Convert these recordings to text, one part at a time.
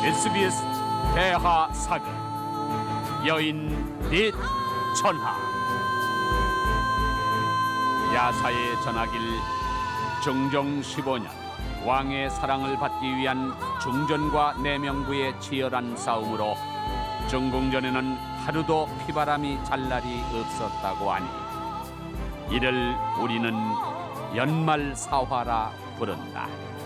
SBS 대하 사극 여인 넷 전하. 야사에 전하길 중종 15년 왕의 사랑을 받기 위한 중전과 내명부의 치열한 싸움으로 중궁전에는 하루도 피바람이 잘 날이 없었다고 하니 이를 우리는 연말사화라 부른다.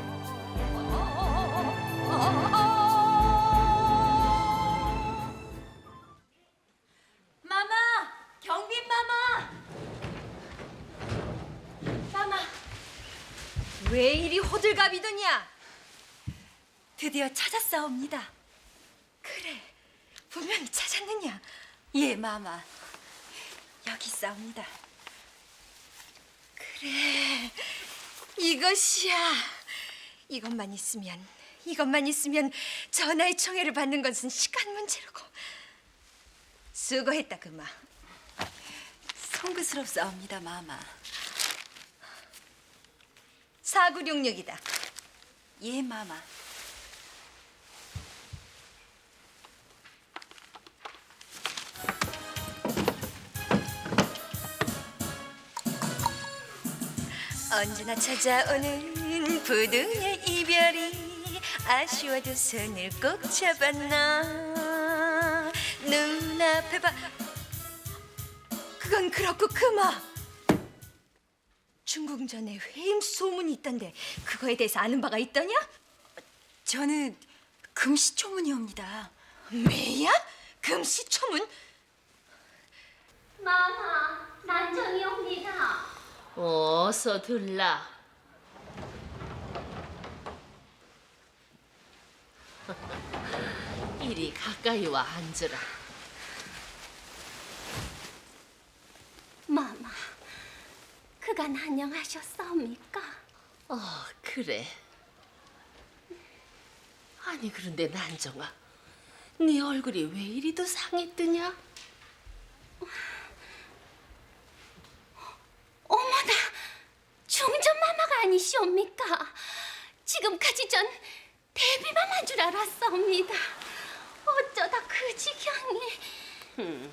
마마! 경빈 마마! 마마! 왜 이리 호들갑이더냐? 드디어 찾았사옵니다. 그래, 분명히 찾았느냐? 예, 마마. 여기 있사옵니다. 그래, 이것이야. 이것만 있으면 전하의 청해를 받는 것은 시간 문제로고. 수고했다, 그마. 송구스럽사옵니다, 마마. 4966이다. 예, 마마. 언제나 찾아오는 부둥의 이별이 아쉬워도 손을 꼭 잡았나. 눈앞에 봐. 그건 그렇고 그마. 중궁전에 회임 소문이 있던데 그거에 대해서 아는 바가 있더냐? 저는 금시초문이옵니다. 매야? 금시초문? 마마, 난정이 옵니다. 어서 들라. 이리 가까이 와 앉으라. 마마, 그간 안녕하셨사옵니까? 그래. 아니 그런데 난정아, 네 얼굴이 왜 이리도 상했더냐? 어머나, 중전 마마가 아니시옵니까? 지금까지 전 데뷔마마인 줄 알았사옵니다. 어쩌다 그 지경에.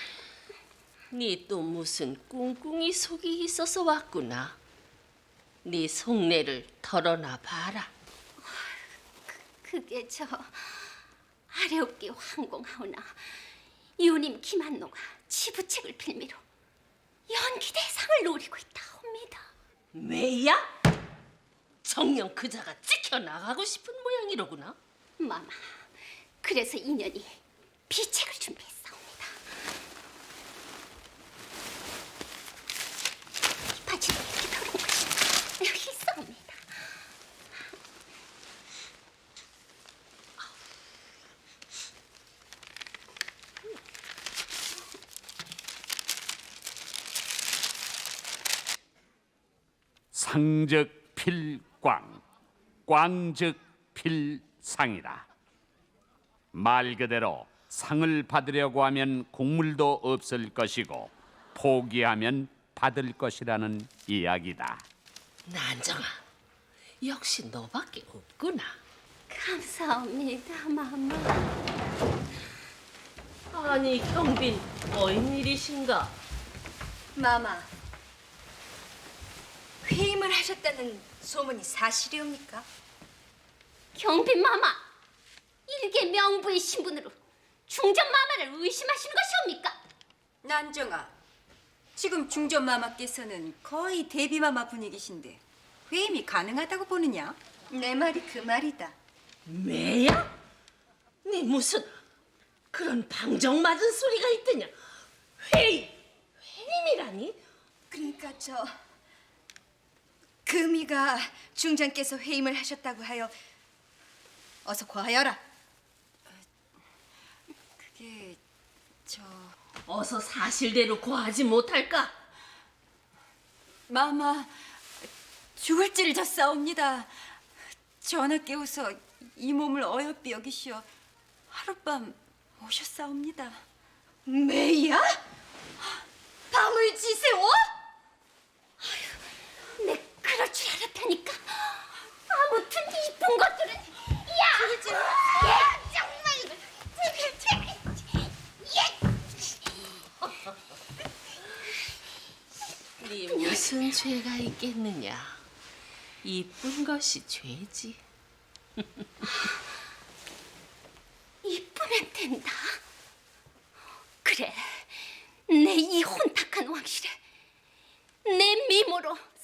네 또 무슨 꿍꿍이 속이 있어서 왔구나. 네 속내를 털어놔 봐라. 그게 저 아래옵기 황공하오나 유님 김한노가 치부책을 빌미로 연기 대상을 노리고 있다옵니다. 왜야? 정녕 그자가 찍혀나가고 싶은 모양이로구나. 마마, 그래서 인연이 비책을 준비했사옵니다. 이 바지로 이렇게 들어온 것이 여기 있사옵니다. 상즉 필광, 꽝즉 필상이라. 말 그대로 상을 받으려고 하면 국물도 없을 것이고 포기하면 받을 것이라는 이야기다. 난정아, 역시 너밖에 없구나. 감사합니다, 마마. 아니 경빈, 어인 일이신가? 마마, 회임을 하셨다는 소문이 사실이옵니까? 경빈 마마, 일개 명부의 신분으로 중전 마마를 의심하시는 것이옵니까? 난정아, 지금 중전 마마께서는 거의 데뷔 마마 분위기신데 회임이 가능하다고 보느냐? 내 말이 그 말이다. 매야? 네 무슨 그런 방정 맞은 소리가 있더냐? 회임이라니? 그러니까 금이가 중전께서 회임을 하셨다고 하여 어서 고하여라. 그게 어서 사실대로 고하지 못할까? 마마 죽을 찌를 졌사옵니다. 전하 깨워서 이 몸을 어여삐 여기시어 하룻밤 오셨사옵니다. 매야? 밤을 지새워? 내 그럴 줄 알았다니까. 아무튼 이쁜 것들은 야! 그러지. 죄가 있겠느냐? 이쁜 것이 죄지. 이쁘면 된다. 그래, 내 이 혼탁한 왕실에 내 미모로